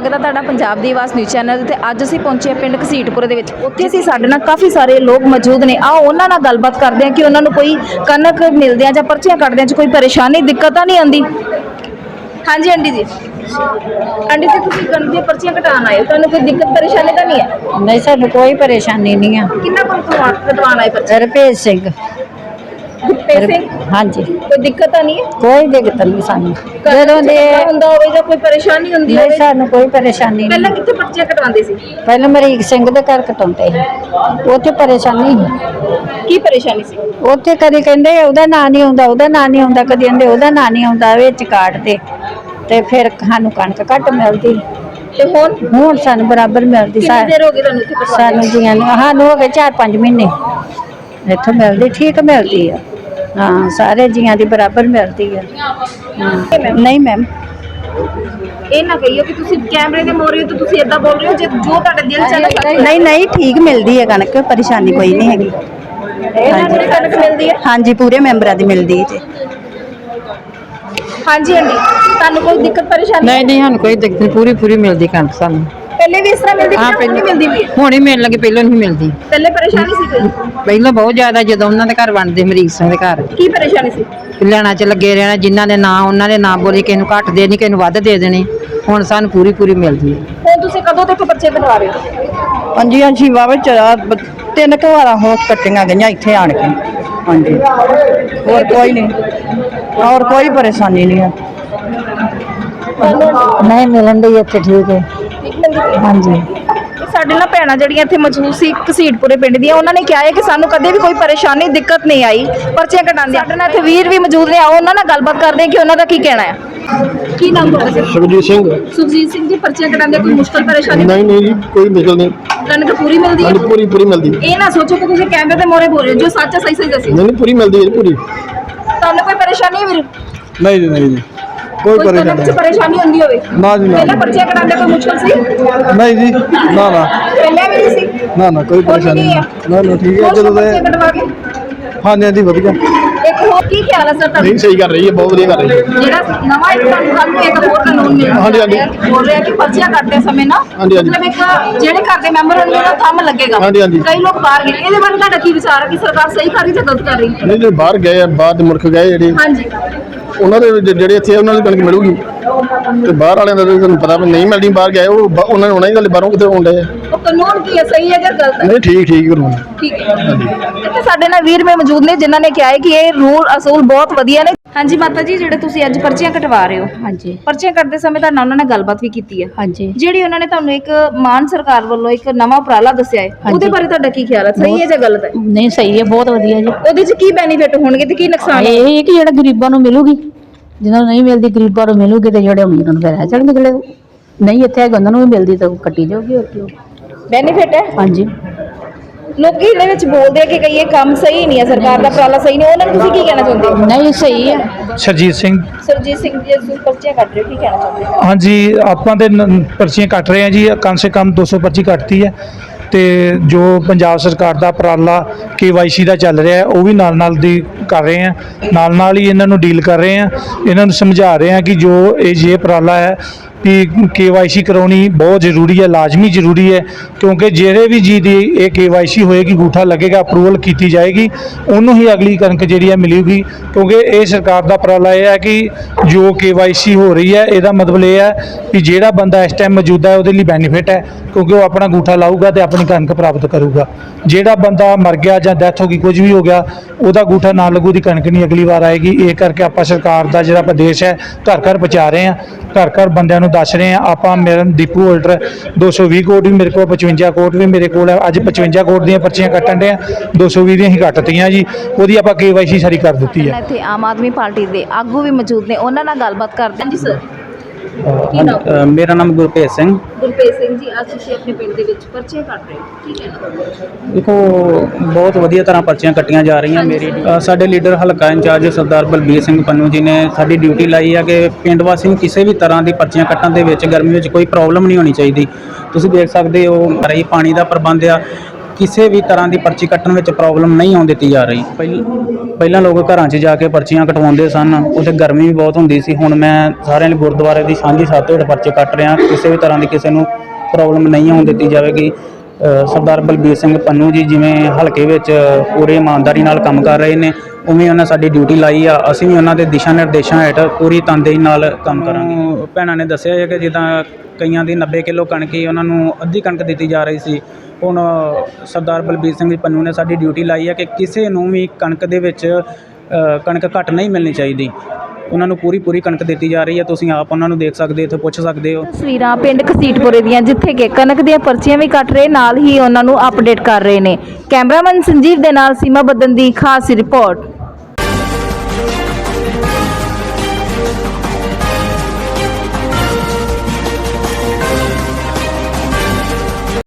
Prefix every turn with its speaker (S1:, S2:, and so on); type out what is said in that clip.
S1: ਸਵਾਗਤ ਹੈ ਤੁਹਾਡਾ ਪੰਜਾਬ ਦੀ ਆਵਾਜ਼ ਨਿਊਜ਼ ਚੈਨਲ ਤੇ। ਅੱਜ ਅਸੀਂ ਪਹੁੰਚੇ ਪਿੰਡ ਘਸੀਟਪੁਰ ਦੇ ਵਿੱਚ। ਉੱਥੇ ਅਸੀਂ ਸਾਡੇ ਨਾਲ ਕਾਫੀ ਸਾਰੇ ਲੋਕ ਮੌਜੂਦ ਨੇ। ਆਓ ਉਹਨਾਂ ਨਾਲ ਗੱਲਬਾਤ ਕਰਦੇ ਹਾਂ ਕਿ ਉਹਨਾਂ ਨੂੰ ਕੋਈ ਕਣਕ ਮਿਲਦੇ ਆ ਜਾਂ ਪਰਚੀਆਂ ਕੱਟਦੇ ਆ ਚ ਕੋਈ ਪਰੇਸ਼ਾਨੀ ਦਿੱਕਤ ਤਾਂ ਨਹੀਂ ਆਉਂਦੀ। ਹਾਂਜੀ ਆਂਟੀ ਜੀ, ਆਂਟੀ ਜੀ ਤੁਸੀਂ ਕਣਕ ਦੀਆਂ ਪਰਚੀਆਂ ਕਟਾਉਣ ਆਏ ਹੋ, ਤੁਹਾਨੂੰ ਕੋਈ ਦਿੱਕਤ ਪਰੇਸ਼ਾਨੀ ਤਾਂ ਨਹੀਂ ਹੈ?
S2: नहीं सानू कोई परेशानी नहीं है।
S1: ਕਿੰਨਾ ਕੋਲ ਕਟਵਾਉਣ ਆਏ ਪਰਚੀ?
S2: रुपेश सिंह।
S1: ਪੈਸੇ
S2: हाँ जी,
S1: ਕੋਈ ਦਿੱਕਤ ਤਾਂ ਨਹੀਂ ਹੈ?
S2: कोई दिक्कत नहीं सानू।
S1: ਜਦੋਂ ਦੇ ਹੁੰਦਾ ਹੋਵੇ ਜਾਂ ਕੋਈ ਪਰੇਸ਼ਾਨੀ ਹੁੰਦੀ
S2: नहीं
S1: ਹੋਵੇ?
S2: सानू कोई परेशानी
S1: ਪਹਿਲਾਂ
S2: नहीं।
S1: ਕਿੱਥੇ ਪਰਚੀਆਂ ਕਟਵਾਉਂਦੇ ਸੀ?
S2: पहले मरीक सिंह दे घर कटाउंदे ही, उत्थे परेशानी ही।
S1: ਕੀ ਪਰੇਸ਼ਾਨੀ ਸੀ?
S2: उत्थे कदी कहंदे ओहदा नां नहीं आउंदा, ओहदा नां नहीं आउंदा, कदी कहंदे ओहदा नां नहीं आउंदा, विच काटदे ते फिर सानू कणक घट मिलदी।
S1: ਤੇ ਹੁਣ
S2: हुण सानू बराबर मिलदी।
S1: ਕਿੰਨੀ ਦੇਰ ਹੋ ਗਈ ਤੁਹਾਨੂੰ ਇੱਥੇ ਕਟਵਾਉਂਦੇ?
S2: सानू जियां सानू हो गए 4-5 महीने इत्थों मिलदी, ठीक मिलदी है। हाँ, सारे जियां दी बराबर मिलदी है। हाँ, नहीं मैम।
S1: ਇਹ ਨਾ ਕਹੀਓ ਕਿ ਤੁਸੀਂ ਕੈਮਰੇ ਦੇ ਮੋਰੇ ਹੋ ਤੇ ਤੁਸੀਂ ਇਦਾਂ ਬੋਲ ਰਹੇ ਹੋ, ਜੇ ਜੋ ਤੁਹਾਡੇ ਦਿਲ ਚ ਹੈ।
S2: नहीं नहीं, ठीक मिलती है कणक, परेशानी कोई नहीं हैगी।
S1: ਇਹਨਾਂ ਨੂੰ ਕਣਕ ਮਿਲਦੀ ਹੈ?
S2: हाँ जी, पूरे मैंबरां दी मिलदी है।
S1: ਹਾਂਜੀ ਆਂਟੀ, ਤੁਹਾਨੂੰ ਕੋਈ ਦਿੱਕਤ ਪਰੇਸ਼ਾਨੀ?
S3: नहीं नहीं, ਸਾਨੂੰ कोई दिक्कत नहीं, पूरी पूरी मिलती कणक सानू।
S1: ਪਹਿਲੇ ਵੀ ਇਸ ਤਰ੍ਹਾਂ ਮਿਲਦੀ
S3: हाँ,
S1: ਕਿ ਨਹੀਂ ਮਿਲਦੀ ਵੀ?
S3: हुण ही मिलण लगी, पहलों नहीं मिलती।
S1: ਪਹਿਲੇ ਪਰੇਸ਼ਾਨੀ ਸੀ ਕੋਈ?
S3: ਪਹਿਲਾਂ ਬਹੁਤ ਜ਼ਿਆਦਾ, ਜਦੋਂ ਉਹਨਾਂ ਦੇ ਘਰ ਬਣਦੇ ਮਰੀਕ ਸਿੰਘ ਦੇ ਘਰ
S1: ਕੀ ਪਰੇਸ਼ਾਨੀ ਸੀ?
S3: ਲੈਣਾ ਚ ਲੱਗੇ ਰਹਿਣਾ, ਜਿਨ੍ਹਾਂ ਦੇ ਨਾਂ ਉਹਨਾਂ ਦੇ ਨਾਂ ਬੋਲੇ, ਕਿਸੇ ਨੂੰ ਘੱਟ ਦੇ ਨਹੀਂ, ਕਿਸੇ ਨੂੰ ਵੱਧ ਦੇ ਦੇਣੇ। ਹੁਣ ਸਾਨੂੰ ਪੂਰੀ ਪੂਰੀ ਮਿਲਦੀ ਹੈ।
S1: ਹੁਣ ਤੁਸੀਂ ਕਦੋਂ ਤੱਕ ਬੱਚੇ ਕਟਵਾ ਰਹੇ ਹੋ?
S2: ਹਾਂਜੀ ਹਾਂਜੀ, ਵਾਵੇ 3 ਵਾਰਾਂ ਹੋ ਕੱਟੀਆਂ ਗਈਆਂ ਇੱਥੇ ਆਣ ਕੇ। ਹਾਂਜੀ, ਹੋਰ ਕੋਈ नहीं, और कोई परेशानी नहीं है। नहीं मिलन दी इत्थे, ठीक है।
S1: ਠੀਕ ਮਿਲਦੀ ਪਈ?
S2: ਹਾਂਜੀ।
S1: ਸਾਡੇ ਨਾਲ ਭੈਣਾਂ ਜਿਹੜੀਆਂ ਇੱਥੇ ਮੌਜੂਦ ਸੀ ਘਸੀਟਪੁਰੇ ਪਿੰਡ ਦੀਆਂ, ਉਹਨਾਂ ਨੇ ਕਿਹਾ ਹੈ ਕਿ ਸਾਨੂੰ ਕਦੇ ਵੀ ਕੋਈ ਪਰੇਸ਼ਾਨੀ ਦਿੱਕਤ ਨਹੀਂ ਆਈ ਪਰਚੀਆਂ ਕਟਾਉਂਦੇ। ਸਾਡੇ ਨਾਲ ਇੱਥੇ ਵੀਰ ਵੀ ਮੌਜੂਦ ਨੇ, ਆਓ ਉਹਨਾਂ ਨਾਲ ਗੱਲਬਾਤ ਕਰਦੇ ਹਾਂ ਕਿ ਉਹਨਾਂ ਦਾ ਕੀ ਕਹਿਣਾ ਹੈ। ਕੀ ਨਾਮ ਤੁਹਾਡਾ?
S4: ਸੁਖਜੀਤ ਸਿੰਘ।
S1: ਸੁਖਜੀਤ ਸਿੰਘ ਜੀ, ਪਰਚੀਆਂ ਕਟਾਉਂਦੇ ਕੋਈ ਮੁਸ਼ਕਲ ਪਰੇਸ਼ਾਨੀ?
S4: ਨਹੀਂ ਨਹੀਂ ਜੀ, ਕੋਈ ਮੁਸ਼ਕਲ ਨਹੀਂ।
S1: ਕਣਕ ਪੂਰੀ ਮਿਲਦੀ ਹੈ?
S4: ਹਾਂਜੀ, ਪੂਰੀ ਪੂਰੀ ਮਿਲਦੀ।
S1: ਇਹ ਨਾ ਸੋਚੋ ਕਿ ਤੁਸੀਂ ਕੈਮਰੇ ਦੇ ਮੋਰੇ ਬੋਲ ਰਹੇ ਹੋ, ਜੋ ਸੱਚ ਹੈ ਸਹੀ ਸਹੀ ਦੱਸੋ।
S4: ਨਹੀਂ ਨਹੀਂ, ਪੂਰੀ ਮਿਲਦੀ ਹੈ ਜੀ, ਪੂਰੀ।
S1: ਤੁਹਾਨੂੰ ਕੋਈ ਪਰੇਸ਼ਾਨੀ ਹੈ ਵੀਰ?
S4: ਨਹੀਂ ਜੀ ਨਹੀਂ ਜੀ, ਕੋਈ
S1: ਕੋਈ ਕਣਕ 'ਚ ਪਰੇਸ਼ਾਨੀ ਹੁੰਦੀ ਹੋਵੇ?
S4: ਨਾ ਜੀ ਨਾ।
S1: ਪਹਿਲਾਂ ਪਰਚੀਆਂ ਕਟਾਉਂਦੇ ਕੋਈ ਮੁਸ਼ਕਲ ਸੀ?
S4: ਨਹੀਂ ਜੀ, ਨਾ ਨਾ
S1: ਪਹਿਲਾਂ ਵੀ ਨਹੀਂ ਸੀ?
S4: ਨਾ ਨਾ, ਕੋਈ ਪਰੇਸ਼ਾਨੀ ਨਹੀਂ। ਨਾ ਨਾ, ਠੀਕ ਹੈ।
S1: ਹੋਰ
S4: ਜਦੋਂ
S1: ਪਰਚੀਆਂ ਕਟਵਾ ਕੇ
S4: ਹਾਂਜੀ ਹਾਂਜੀ, ਵਧੀਆ।
S1: ਇੱਕ ਹੋਰ ਕੀ ਖਿਆਲ ਹੈ ਸਰ ਤੁਹਾਡਾ?
S4: ਨਹੀਂ, ਸਹੀ ਕਰ ਰਹੀ ਹੈ, ਬਹੁਤ ਵਧੀਆ ਕਰ ਰਹੀ ਹੈ।
S1: ਜਿਹੜਾ ਨਵਾਂ ਇੱਕ ਤੁਹਾਨੂੰ ਇੱਕ ਹੋਰ ਕਾਨੂੰਨ ਮਿਲਿਆ
S4: ਹਾਂਜੀ, ਹਾਂਜੀ।
S1: ਬੋਲ ਰਿਹਾ ਕਿ ਪਰਚੀਆਂ ਕੱਟਦੇ ਸਮੇਂ ਨਾ
S4: ਹਾਂਜੀ, ਹਾਂਜੀ।
S1: ਮਤਲਬ ਇੱਕ ਜਿਹੜੇ ਘਰ ਦੇ ਮੈਂਬਰ ਹੋਣਗੇ ਉਹਦਾ ਥੰਮ ਲੱਗੇਗਾ।
S4: ਹਾਂਜੀ, ਹਾਂਜੀ।
S1: ਕਈ ਲੋਕ ਬਾਹਰ ਗਏ, ਇਹਦੇ ਬਾਰੇ ਤੁਹਾਡਾ ਕੀ ਵਿਚਾਰ ਹੈ ਕਿ ਸਰਕਾਰ ਸਹੀ ਕਰ ਰਹੀ ਜਾਂ ਗਲਤ ਕਰ ਰਹੀ?
S4: ਨਹੀਂ, ਜਿਹੜੇ ਬਾਹਰ ਗਏ ਆ, ਬਾਹਰ ਦੇ ਮੁਲਕ ਗਏ ਜਿਹੜੇ,
S1: ਹਾਂਜੀ,
S4: ਉਹਨਾਂ ਦੇ ਜਿਹੜੇ ਇੱਥੇ ਆ, ਉਹਨਾਂ ਦੀ ਕਣਕ ਮਿਲੂਗੀ। ਤੇ ਬਾਹਰ ਵਾਲਿਆਂ ਦਾ ਤਾਂ ਤੁਹਾਨੂੰ ਪਤਾ ਵੀ ਨਹੀਂ ਮਿਲਦੀ। ਬਾਹਰ ਗਏ ਉਹ ਉਹਨਾਂ ਨੇ, ਉਹਨਾਂ ਦੀ ਗੱਲ ਬਾਹਰੋਂ ਕਿਤੇ ਆਉਂਦੇ ਆ।
S1: ਉਹ ਕਾਨੂੰਨ ਕੀ ਹੈ, ਸਹੀ ਹੈ ਜਾਂ ਗਲਤ ਹੈ?
S4: ਨਹੀਂ, ਠੀਕ ਠੀਕ ਕਰਵਾਉਣਾ।
S1: ਠੀਕ ਹੈ। ਇੱਥੇ ਸਾਡੇ ਨਾਲ ਵੀਰ ਮੇ ਮੌਜੂਦ ਨੇ ਜਿਨ੍ਹਾਂ ਨੇ ਕਿਹਾ ਹੈ ਕਿ ਇਹ ਰੂਲ ਅਸੂਲ ਬਹੁਤ ਵਧੀਆ ਨੇ। ਹਾਂਜੀ ਮਾਤਾ ਜੀ, ਜਿਹੜੇ ਤੁਸੀਂ ਅੱਜ ਪਰਚੀਆਂ ਕਟਵਾ ਰਹੇ ਹੋ,
S2: ਹਾਂਜੀ
S1: ਪਰਚੀਆਂ ਕੱਟਦੇ ਸਮੇਂ ਤਾਂ ਉਹਨਾਂ ਨੇ ਗੱਲਬਾਤ ਵੀ ਕੀਤੀ ਹੈ,
S2: ਹਾਂਜੀ।
S1: ਜਿਹੜੀ ਉਹਨਾਂ ਨੇ ਤੁਹਾਨੂੰ ਇੱਕ ਮਾਨ ਸਰਕਾਰ ਵੱਲੋਂ ਇੱਕ ਨਵਾਂ ਉਪਰਾਲਾ ਦੱਸਿਆ ਹੈ, ਉਹਦੇ ਬਾਰੇ ਤੁਹਾਡਾ ਕੀ ਖਿਆਲ ਹੈ? ਸਹੀ ਹੈ ਜਾਂ ਗਲਤ ਹੈ?
S2: ਨਹੀਂ ਸਹੀ ਹੈ, ਬਹੁਤ ਵਧੀਆ ਜੀ।
S1: ਉਹਦੇ 'ਚ ਕੀ ਬੈਨੀਫਿਟ ਹੋਣਗੇ ਤੇ ਕੀ ਨੁਕਸਾਨ?
S2: ਇਹ ਕਿ ਜਿਹੜਾ ਗਰੀਬਾਂ ਨੂੰ ਮਿਲੂਗੀ, ਜਿਹਨਾਂ ਨੂੰ ਨਹੀਂ ਮਿਲਦੀ ਗਰੀਬਾਂ ਨੂੰ ਮਿਲੂਗੀ, ਤੇ ਜਿਹੜੇ ਅਮੀਰ ਨੂੰ ਫਿਰ ਰਹਿ ਜਾਣਗੇ। ਜਿਹੜੇ ਨਹੀਂ ਇੱਥੇ ਹੈਗੇ ਉਹਨਾਂ ਨੂੰ ਵੀ ਮਿਲਦੀ ਤਾਂ ਕੱਟੀ ਜਾਊਗੀ, ਹੋਰ ਕੀ।
S1: ਬੈਨੀਫਿਟ ਹੈ।
S2: ਹਾਂਜੀ।
S1: ਲੋਕੀ ਇਹਦੇ ਵਿੱਚ ਬੋਲਦੇ ਆ ਕਿ ਕਈ ਇਹ ਕੰਮ ਸਹੀ ਨਹੀਂ ਹੈ, ਸਰਕਾਰ ਦਾ ਉਪਰਾਲਾ ਸਹੀ ਨਹੀਂ, ਉਹਨਾਂ ਨੂੰ ਤੁਸੀਂ ਕੀ ਕਹਿਣਾ ਚਾਹੁੰਦੇ ਹੋ?
S2: ਨਹੀਂ ਸਹੀ ਹੈ।
S5: ਸਰਜੀਤ ਸਿੰਘ।
S1: ਸਰਜੀਤ ਸਿੰਘ ਜੀ, ਤੁਸੀਂ ਪਰਚੀਆਂ ਕੱਟ ਰਹੇ ਹੋ, ਕੀ ਕਹਿਣਾ ਚਾਹੁੰਦੇ ਹੋ?
S5: ਹਾਂਜੀ, ਆਪਾਂ ਤੇ ਪਰਚੀਆਂ ਕੱਟ ਰਹੇ ਹਾਂ ਜੀ, ਕਮ ਸੇ ਕਮ 200 ਪਰਚੀ ਕੱਟਤੀ ਹੈ। ਤੇ ਜੋ ਪੰਜਾਬ ਸਰਕਾਰ ਦਾ ਉਪਰਾਲਾ KYC ਦਾ ਚੱਲ ਰਿਹਾ ਹੈ, ਉਹ ਵੀ ਨਾਲ ਨਾਲ ਦੀ ਕਰ ਰਹੇ ਹਾਂ, ਨਾਲ ਨਾਲ ਹੀ ਇਹਨਾਂ ਨੂੰ ਡੀਲ ਕਰ ਰਹੇ ਹਾਂ, ਇਹਨਾਂ ਨੂੰ ਸਮਝਾ ਰਹੇ ਹਾਂ ਕਿ ਜੋ ਇਹ ਉਪਰਾਲਾ ਹੈ कि KYC ਕਰਵਾਉਣੀ ਬਹੁਤ ਜ਼ਰੂਰੀ ਹੈ, ਲਾਜ਼ਮੀ ਜ਼ਰੂਰੀ ਹੈ, ਕਿਉਂਕਿ ਜਿਹੜੇ ਵੀ ਜੀ ਦੀ ਇਹ KYC ਹੋਏਗੀ, ਅੰਗੂਠਾ ਲੱਗੇਗਾ, ਅਪਰੂਵਲ ਕੀਤੀ ਜਾਏਗੀ, ਉਹਨੂੰ ਹੀ ਅਗਲੀ ਕਣਕ ਜਿਹੜੀ ਹੈ ਮਿਲੇਗੀ। ਕਿਉਂਕਿ ਇਹ ਸਰਕਾਰ ਦਾ ਉਪਰਾਲਾ ਇਹ ਹੈ ਕਿ ਜੋ KYC ਹੋ ਰਹੀ ਹੈ, ਇਹਦਾ ਮਤਲਬ ਇਹ ਹੈ ਕਿ ਜਿਹੜਾ ਬੰਦਾ ਇਸ ਟਾਈਮ ਮੌਜੂਦਾ ਹੈ ਉਹਦੇ ਲਈ ਬੈਨੀਫਿਟ ਹੈ, ਕਿਉਂਕਿ ਉਹ ਆਪਣਾ ਅੰਗੂਠਾ ਲਾਊਗਾ ਤੇ ਆਪਣੀ ਕਣਕ ਪ੍ਰਾਪਤ ਕਰੂਗਾ। ਜਿਹੜਾ ਬੰਦਾ ਮਰ ਗਿਆ ਜਾਂ ਡੈਥ ਹੋ ਗਈ, ਕੁਝ ਵੀ ਹੋ ਗਿਆ, ਉਹਦਾ ਅੰਗੂਠਾ ਨਾ ਲੱਗੂ, ਦੀ ਕਣਕ ਨਹੀਂ ਅਗਲੀ ਵਾਰ ਆਏਗੀ। ਇਹ ਕਰਕੇ ਆਪਾਂ ਸਰਕਾਰ ਦਾ ਜਿਹੜਾ ਆਦੇਸ਼ ਹੈ ਘਰ ਘਰ ਪਹੁੰਚਾ ਰਹੇ ਹਾਂ, ਘਰ ਘਰ ਬੰਦਿਆਂ ਨੂੰ ਦੱਸ ਰਹੇ ਹਾਂ। ਆਪਾਂ ਮੇਰਾ ਦੀਪੂ ਹੋਲਡਰ 220 ਕੋਟ ਵੀ ਮੇਰੇ ਕੋਲ, 55 ਕੋਟ ਵੀ ਮੇਰੇ ਕੋਲ ਹੈ। ਅੱਜ 55 ਕੋਟ ਦੀਆਂ ਪਰਚੀਆਂ ਕੱਟਣ ਦੇ ਆ, 220 ਦੀਆਂ ਹੀ ਕੱਟਤੀਆਂ ਜੀ, ਉਹਦੀ ਆਪਾਂ KYC ਸਾਰੀ ਕਰ ਦਿੱਤੀ ਹੈ।
S1: ਇੱਥੇ ਆਮ ਆਦਮੀ ਪਾਰਟੀ ਦੇ ਆਗੂ ਵੀ ਮੌਜੂਦ ਨੇ, ਉਹਨਾਂ ਨਾਲ ਗੱਲਬਾਤ ਕਰਦੇ ਹਾਂ ਜੀ। ਸਰ
S6: ਮੇਰਾ ਨਾਮ ਗੁਰਪ੍ਰੀਤ ਸਿੰਘ।
S1: ਗੁਰਪ੍ਰੀਤ ਸਿੰਘ ਜੀ, ਅੱਜ ਤੁਸੀਂ ਆਪਣੇ ਪਿੰਡ ਦੇ ਵਿੱਚ ਪਰਚੀਆਂ ਕੱਟ ਰਹੇ ਹੋ, ਕੀ ਕਹਿਣਾ?
S6: ਦੇਖੋ, ਬਹੁਤ ਵਧੀਆ ਤਰ੍ਹਾਂ ਪਰਚੀਆਂ ਕੱਟੀਆਂ ਜਾ ਰਹੀਆਂ। ਮੇਰੀ ਸਾਡੇ ਲੀਡਰ ਹਲਕਾ ਇੰਚਾਰਜ ਸਰਦਾਰ ਬਲਬੀਰ ਸਿੰਘ ਪੰਨੂ ਜੀ ਨੇ ਸਾਡੀ ਡਿਊਟੀ ਲਾਈ ਹੈ ਕਿ ਪਿੰਡ ਵਾਸੀ ਨੂੰ ਕਿਸੇ ਵੀ ਤਰ੍ਹਾਂ ਦੀ ਪਰਚੀਆਂ ਕੱਟਣ ਦੇ ਵਿੱਚ ਗਰਮੀ ਵਿੱਚ ਕੋਈ ਪ੍ਰੋਬਲਮ ਨਹੀਂ ਹੋਣੀ ਚਾਹੀਦੀ। ਤੁਸੀਂ ਦੇਖ ਸਕਦੇ ਹੋ, ਰਹੀ ਪਾਣੀ ਦਾ ਪ੍ਰਬੰਧ ਆ, ਕਿਸੇ ਵੀ ਤਰ੍ਹਾਂ ਦੀ ਪਰਚੀ ਕੱਟਣ ਵਿੱਚ ਪ੍ਰੋਬਲਮ ਨਹੀਂ ਆਉਣ ਦਿੱਤੀ ਜਾ ਰਹੀ। ਪਹਿਲਾਂ ਲੋਕ ਘਰਾਂ 'ਚ ਜਾ ਕੇ ਪਰਚੀਆਂ ਕਟਵਾਉਂਦੇ ਸਨ, ਉੱਥੇ ਗਰਮੀ ਵੀ ਬਹੁਤ ਹੁੰਦੀ ਸੀ। ਹੁਣ ਮੈਂ ਸਾਰਿਆਂ ਲਈ ਗੁਰਦੁਆਰੇ ਦੀ ਸਾਂਝੀ ਛੱਤ ਹੇਠ ਪਰਚੇ ਕੱਟ ਰਿਹਾ। ਕਿਸੇ ਵੀ ਤਰ੍ਹਾਂ ਦੀ ਕਿਸੇ ਨੂੰ ਪ੍ਰੋਬਲਮ ਨਹੀਂ ਆਉਣ ਦਿੱਤੀ ਜਾਵੇਗੀ। ਸਰਦਾਰ ਬਲਬੀਰ ਸਿੰਘ ਪੰਨੂ ਜੀ ਜਿਵੇਂ ਹਲਕੇ ਵਿੱਚ ਪੂਰੀ ਇਮਾਨਦਾਰੀ ਨਾਲ ਕੰਮ ਕਰ ਰਹੇ ਨੇ, ਉਵੇਂ ਉਹਨਾਂ ਸਾਡੀ ਡਿਊਟੀ ਲਾਈ ਆ। ਅਸੀਂ ਵੀ ਉਹਨਾਂ ਦੇ ਦਿਸ਼ਾ ਨਿਰਦੇਸ਼ਾਂ ਹੇਠ ਪੂਰੀ ਤਨਦੇਹੀ ਨਾਲ ਕੰਮ ਕਰਾਂਗੇ। ਭੈਣਾਂ ਨੇ ਦੱਸਿਆ ਹੈ ਕਿ ਜਿੱਦਾਂ ਕਈਆਂ ਦੀ 90 ਕਿਲੋ ਕਣਕ ਹੀ ਉਹਨਾਂ ਨੂੰ ਅੱਧੀ ਕਣਕ ਦਿੱਤੀ ਜਾ ਰਹੀ ਸੀ। ਹੁਣ ਸਰਦਾਰ ਬਲਬੀਰ ਸਿੰਘ ਪੰਨੂ ਨੇ ਸਾਡੀ ਡਿਊਟੀ ਲਾਈ ਹੈ ਕਿ ਕਿਸੇ ਨੂੰ ਵੀ ਕਣਕ ਦੇ ਵਿੱਚ ਕਣਕ ਘੱਟ ਨਹੀਂ ਮਿਲਣੀ ਚਾਹੀਦੀ। ਉਹਨਾਂ ਨੂੰ ਪੂਰੀ ਕਣਕ ਦਿੱਤੀ ਜਾ ਰਹੀ ਹੈ। ਤੁਸੀਂ ਆਪ ਉਹਨਾਂ ਨੂੰ ਦੇਖ ਸਕਦੇ ਹੋ, ਇੱਥੇ ਪੁੱਛ ਸਕਦੇ ਹੋ।
S1: ਤਸਵੀਰਾਂ ਪਿੰਡ ਘਸੀਟਪੁਰੇ ਦੀਆਂ, ਜਿੱਥੇ ਕਿ ਕਣਕ ਦੀਆਂ ਪਰਚੀਆਂ ਵੀ ਕੱਟ ਰਹੇ, ਨਾਲ ਹੀ ਉਹਨਾਂ ਨੂੰ ਅਪਡੇਟ ਕਰ ਰਹੇ ਨੇ। ਕੈਮਰਾਮੈਨ ਸੰਜੀਵ ਦੇ ਨਾਲ ਸੀਮਾ ਬੱਦਨ ਦੀ ਖਾਸ ਰਿਪੋਰਟ।